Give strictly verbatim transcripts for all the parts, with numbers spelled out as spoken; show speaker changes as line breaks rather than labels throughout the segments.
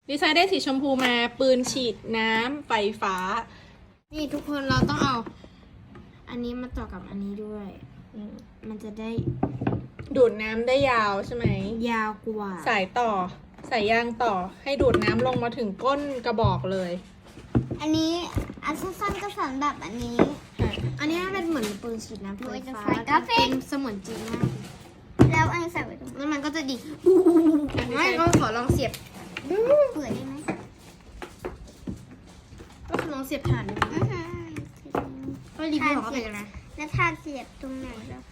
ดีไซน์ได้สีชมพูมาปืนฉีดน้ำไฟฟ้า
นี่ทุกคนเราต้องเอา อันนี้มาต่อกับอันนี้ด้วยมันจะได้
ดูดน้ำได้ยาวใช่ไหม
ยาวกว่า
สายต่อสายยางต่อให้ดูดน้ำลงมาถึงก้นกระบอกเลย
อันนี้อันสั้นๆก็สำหรับอันนี้
อันนี้เป็นเหมือนปืนฉีดน้ำไฟฟ้าเป็นเสมือนจริงมาก
แล้วอันใส่ไว้ตรงนี้
แล้วมันก็จะดีไม่ก็ขอลองเสียบ
เปิดได้ไหม
ก็ลองเสียบถ่านดูก็รีวิวของเขาไปกันนะ
แล้วทานเสียบตรงไหนแล้ว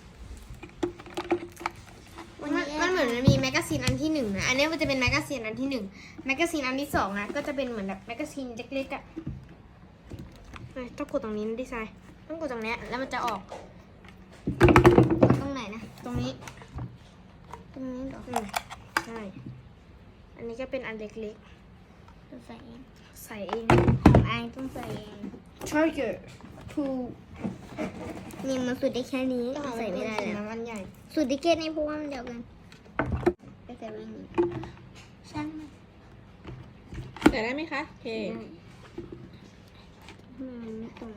มันมันเหมือนมันมีแมกกาซีนอันที่หนึ่งนะอันนี้มันจะเป็นแมกกาซีนอันที่หนึ่งแมกกาซีนอันที่สองนะก็จะเป็นเหมือนแบบแมกกาซีนเล็กๆอ่ะต้องกดตรงนี้ดีไซน์ต้องกดตรงนี้แล้วมันจะออก
ตรงไหนนะ
ตรงนี้
ตรงนี้เหรอ
ใช่อันนี้ก็เป็นอันเล็ก
ๆใส่เอง
ใส่เอง
ของไอต้องใส่เอง
ใช่เกิดถูก
นี่มันสุดได้แค่นี้ใส่ไม่ได้แล้ว
มันใหญ่
สุดได้แค่นี้เพราะว่ามันเดียวกันไปใส่ไว้นี่ช่าง
ใส่ได้ไหมคะโอเค
ไม่ตรง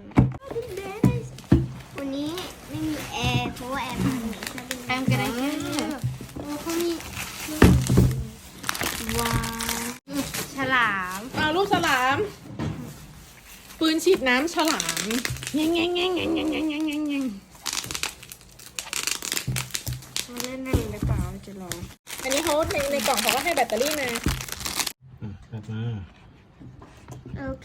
วันนี้ไม่มีแอร์เพราะว่าแอร์มันไม่ใช่
แอมกระไรแค่โอ้เขามีว้าวฉลาม
เอาลูกฉลามปืนฉีดน้ำฉลามแง่งแง่งแง่งแง่งแง่งแง่งแง่งแง่งแง่ง
มาเล่นได้หรือเปล่าจะลอง
อันนี้เขาในในกล่องเขาก็ให้แบตเตอรี่มา
อ่ะกลับมา
โอเค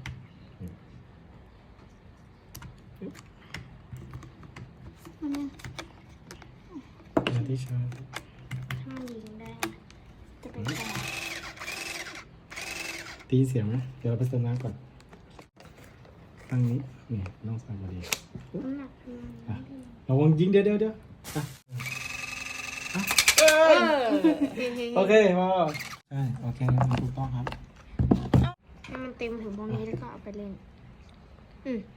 มาที่ชาร์จ
ถ้ามันยิงได้จะเป็นแผล
ตีเสียงไหมเดี๋ยวเราไปเติมน้ำก่อนตั้งนี้นี่น้องใส่พอดี
หนัก
อ่ะระวังยิงเดี๋ยวเดี๋ยวเดี๋ยวอ่ะอ่ะเออโอเคพอใช่โอเคงั้นถูกต้องครับ
ให้มันเต็มถึงตรงนี้แล้วก็เอาไปเล่นอืม